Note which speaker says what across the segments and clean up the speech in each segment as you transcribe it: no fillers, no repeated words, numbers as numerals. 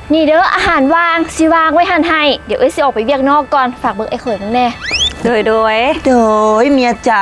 Speaker 1: นี่เด้ออาหารวางสิวางไว้หันให้เดี๋ยวเอ้ยสิออกไปเวียกนอกก่อนฝากเบิกไอ้เขยมึงแน่
Speaker 2: โดย
Speaker 3: โดยเมียจ๋า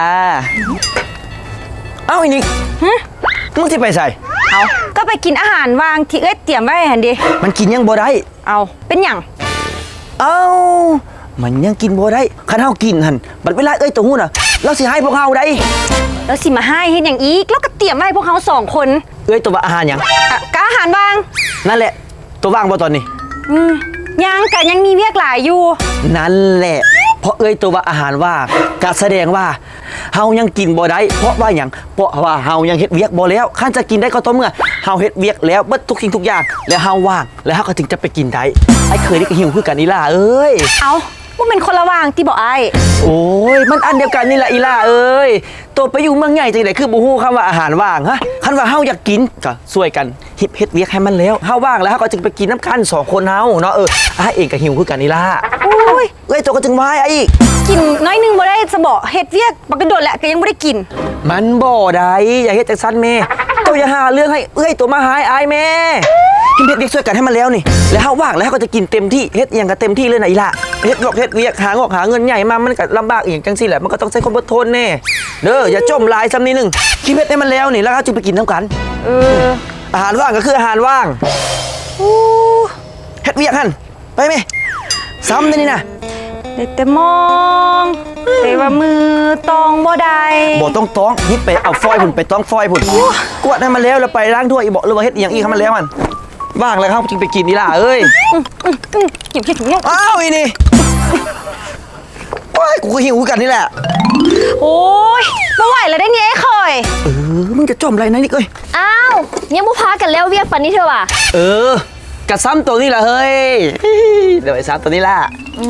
Speaker 3: เอ้าอีนิกมึงที่ไปใส่
Speaker 2: เอาก็ไปกินอาหารวางที่เอ้ยเตรียมไว้หันดิ
Speaker 3: มันกินยังบ่ได้
Speaker 2: เอาเป็นหยัง
Speaker 3: เอ้ามันยังกินบ่ได้คันเฮากินหั่นบัดเวลาเอ้ยตัวหู้น่ะเราสิให้พวกเฮาได้
Speaker 2: แล้วสิมาให้เฮ็ดหยังอีกแล้วก็เตรียมไว้พวกเฮา2คน
Speaker 3: เอ้ยตัวว่าอาหารหยัง
Speaker 2: ก็อาหารวาง
Speaker 3: นั่นแหละตัวว่างบ่ตอนนี้
Speaker 2: ยังกะยังมีเวียกหลายอยู่
Speaker 3: นั่นแหละเพราะเอ้ยตัวว่าอาหารว่างก็แสดงว่าเฮายังกินบ่ได้เพราะว่าหยังเพราะว่าเฮายังเฮ็ดเวียกบ่แล้วคันจะกินได้ก็ต่อเมื่อเฮาเฮ็ดเวียกแล้วเบิดทุกสิ่งทุกอย่างแล้วเฮาว่างแล้วเฮาก็ถึงจะไปกินได้ไอ้เคยนี่ก็หิวคือกันอีล่าเอ้ย
Speaker 2: เอาว่าเป็นคนละว่างที่บ่ไอ้
Speaker 3: โอ้ยมันอันเดียวกันนี่แหละอีล่าเอ้ยตัวไปอยู่เมืองใหญ่จังได๋คือบ่ฮู้คำว่าอาหารว่างฮะคันว่าเฮาอยากกินก็ช่วยกันเฮ็ดเวียกให้มันแล้วเฮาว่างแล้วเฮาก็จึงไปกินน้ำกัน2คนเฮาเนาะอ้ายเองก็หิวคือกันอีล่า
Speaker 2: โอ้ย
Speaker 3: เอ้ยตัวก็จึงว่าไอ้อีก
Speaker 2: กินน้อยนึงบ่ได้จะบ่เฮ็ดเวียกบักกระโดดแหละก็ยังบ่ได้กิน
Speaker 3: มันบ่ได้อย่าเฮ็ดจังซั่นแม่ตัวอย่าหาเรื่องให้เอ้ยตัวมาหายอายแม่กินเฮ็ดเวียกช่วยกันให้มันแล้วนี่แล้วเฮาว่างแล้วเฮาก็จะกินเต็มที่เฮ็ดหยังก็เต็มที่เลยนะอีล่าเฮ็ดเวียกหาเงินใหญ่มามันก็ลำบากอีกจังซี่แหละมันก็ต้องใช้ความอดทนแน่เด้ออย่าจมลายซ้ำนิดนึงคิดเฮ็ดให้มันแล้วนี่แล้วเฮาจึงไปกินนำกันอาหารว่างก็คืออาหารว่างเฮ็ดเวียกหั่นไปแม่ซ้ำนี่นะ
Speaker 2: ได้แต่มองแต่ว่ามือตองบ่ได้
Speaker 3: บ่ต้องฮิปไปเอาฟอยพุ่นไปต้องฟอยพุ่นกวดให้มันแล้วไปล้างถ้วยอีบ่หรือว่าเฮ็ดอีหยังอีกให้มันแล้วมันว่างแล้วครับจึงไปกินนี่ล่ะเอ้ย
Speaker 2: กินขี้ถุง
Speaker 3: อ้าวอีนี่โอ้ยกูก็หิวกันนี่แหละ
Speaker 2: โอ้ยไม่ไหวแล้วได้เนี่ยไอ้เคย
Speaker 3: มึงจะจมอะไรนะนี่เอ้ย
Speaker 1: อ้าวยังบ่พากันแล้วเวียกปันนี้เถอะว่ะ
Speaker 3: กระซ้ำตัวนี้ล่ะเฮ้ยเดี๋ยวไอ้ซ้ำตัวนี้ล่ะ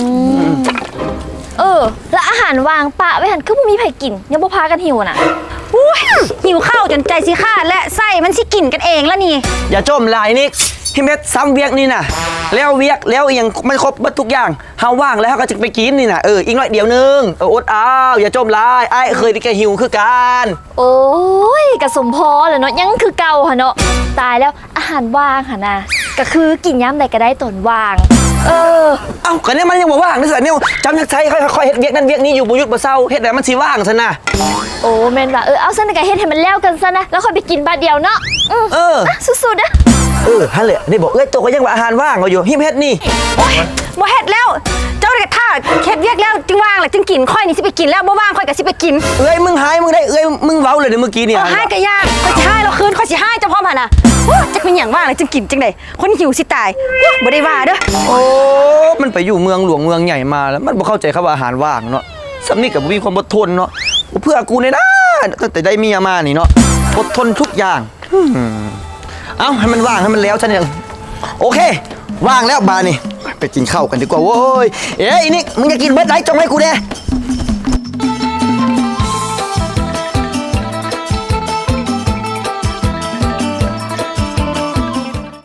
Speaker 1: แล้วอาหารวางปะไว้หันคือบ่มีไผกินยังบ่พากันหิวน่ะ
Speaker 2: หิวข้าวจนใจสิขาดและไส้มันสิกินกันเองแล้วนี่
Speaker 3: อย่าจมลายนิกพี่เม็ดซ้ำเวียกนี่น่ะแล้วเวียกแล้วยังไม่ครบบัดทุกอย่างเฮาว่างแล้วก็จะไปกินนี่น่ะอีกหน่อยเดียวนึงอดอ้าวอย่าจมลายไอ้เคยที่แกหิวคือกัน
Speaker 1: โอ้ยกระสมพอแหละเนาะยังคือเก่าหั่นเนาะตายแล้วอาหารว่างหั่นน่ะก็คือกินยามใดก็ได้ตนว่าง
Speaker 3: เอ้าก็เนี่ยมันยังบ่ว่างนี่สิเนี่ยจำนักใช้ค่อยๆเฮ็ดเวียกนั่นเวียกนี้อยู่บ่หยุดบ่เศร้าเฮ็ดแล้วมันสิว่างซั่นน่ะ
Speaker 1: โอ้แม่นว่าเอาซั่นก็เฮ็ดให้มันแล้วกันซะนะแล้วค่อยไปกินบาดเดียวเนาะสุดๆนะ
Speaker 3: หั่นแหละนี่บอกตัวก็ยังว่าอาหารว่างอยู่หิมเฮ็ดนี่
Speaker 2: โอ๊ยบ่เฮ็ดแล้วเจ้าได้ท่าเฮ็ดเวียกแล้วจึงว่างแหละจึงกินค่อยนี่สิไปกินแล้วบ่ว่างค่อยก็สิไปกิน
Speaker 3: มึงหายมึงได้มึงเว้าเลยเมื่อกี้เนี่ย
Speaker 2: หายก็ยากค่อยสิหายแล้วคืนค่อยสิหายเจ้าพร้อมหั่นน่ะจักเป็นหยังว่างเลยจึงกินจังได๋คนหิวสิตายบ่ได้ว่าเด้อ
Speaker 3: โอ้มันไปอยู่เมืองหลวงเมืองใหญ่มาแล้วมันบ่เข้าใจคำว่าอาหารว่างเนาะสำนึกกับบ่มีความอดทนเนาะเพื่อกูเนี่ยนะตั้งแต่ได้เมียมานี่เนาะอดทนทุกอย่างเอ้าให้มันว่างให้มันแล้วฉันยังโอเคว่างแล้วบานี่ไปกินข้าวกันดีกว่าโว้ยอีนี่มึงจะกินเบิดไหนจงให้กูแน่